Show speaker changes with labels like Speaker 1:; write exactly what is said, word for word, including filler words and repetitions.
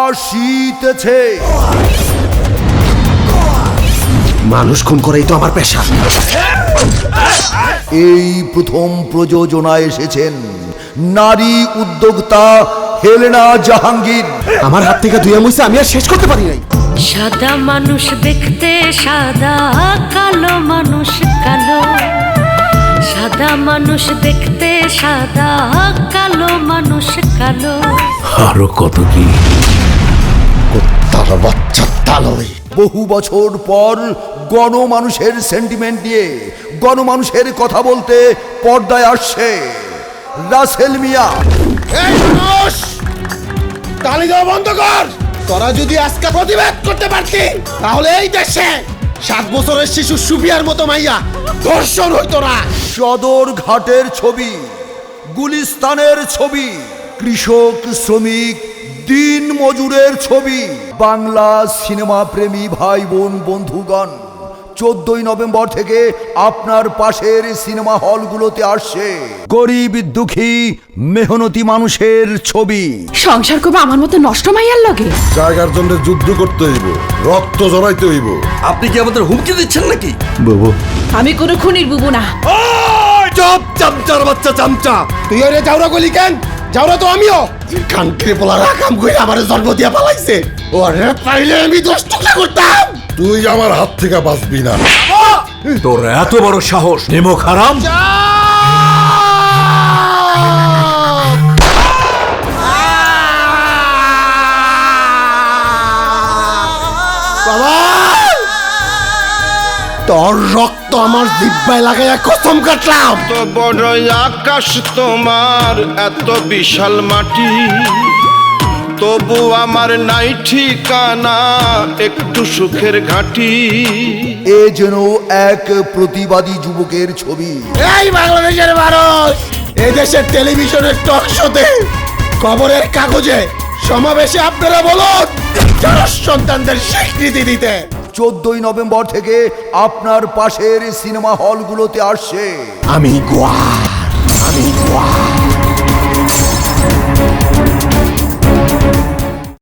Speaker 1: আসিতেছে।
Speaker 2: মানুষ খুন করেই তো আমার পেশা।
Speaker 1: এই প্রথম প্রযোজনায় এসেছেন নারী উদ্যোক্তা হেলেনা জাহাঙ্গীর।
Speaker 2: আমার হাত থেকে দুই মুইছে আমি আর শেষ করতে পারি নাই।
Speaker 3: সাদা মানুষ দেখতে সাদা, কালো মানুষ কালো। সাদা মানুষ দেখতে সাদা, কালো মানুষ কালো।
Speaker 2: আরো কত কি তার বাচ্চা তালই।
Speaker 1: বহু বছর পর গণমানুষের সেন্টিমেন্ট নিয়ে গণমানুষের কথা বলতে পর্দায় আসছে রাসেল মিয়া।
Speaker 4: এই মানুষ, তালি দেওয়া বন্ধ কর। তোরা যদি আজকে প্রতিবাদ করতে পারতি তাহলে এই দেশে সাত বছরের শিশু সুফিয়ার মতো মাইয়া ধর্ষণ হইতো না।
Speaker 1: সদর ঘাটের ছবি, গুলিস্তানের ছবি, কৃষক শ্রমিক দিন মজুরের ছবি। বাংলা সিনেমা প্রেমী ভাই বোন বন্ধুগণ, চোদ্দই নভেম্বর থেকে আপনার পাশের সিনেমা হলগুলোতে আসছে গরিব দুঃখী মেহনতি মানুষের ছবি।
Speaker 5: সংসার করবে আমার মতো নষ্ট মাইয়ার লগে।
Speaker 6: জায়গার জন্য যুদ্ধ করতে হইব, রক্ত জড়াইতে হইব।
Speaker 2: আপনি কি আমাদের হুমকি দিচ্ছেন নাকি?
Speaker 6: বাবু,
Speaker 5: আমি কোনো খুনির বুবু না।
Speaker 2: চুপ চামচার বাচ্চা চামচা।
Speaker 4: তুই ওরে যাওরা গলি কেন? যাওরা তো আমিও। কানকে পোলার কাম করে আমারে জন্ম দিয়া পালাইছে। ওরে পাইলে আমি দশ টুকরা করতাম।
Speaker 6: তুই আমার হাত থেকে বাঁচবি না।
Speaker 2: তোর এত বড় সাহস, নিমক হারাম।
Speaker 4: বাবা, তোর রক্ত আমার জিব্বায় লাগাইয়া কসম কাটলাম।
Speaker 7: এত বড় আকাশ তোমার, এত বিশাল মাটি, তবু আমার নাই ঠিকানা একটু সুখের ঘাটি।
Speaker 1: এ যেন এক প্রতিবাদী যুবকের ছবি।
Speaker 4: এই বাংলাদেশের মানুষ, এই দেশের টেলিভিশনের টক শোতে, খবরের কাগজে, সমাবেশে আপনারা বলুন জনস সন্তানদের স্বীকৃতি দিতে।
Speaker 1: চোদ্দই নভেম্বর থেকে আপনার পাশের সিনেমা হলগুলোতে আসছে
Speaker 4: আমি গোয়া, আমি গোয়া।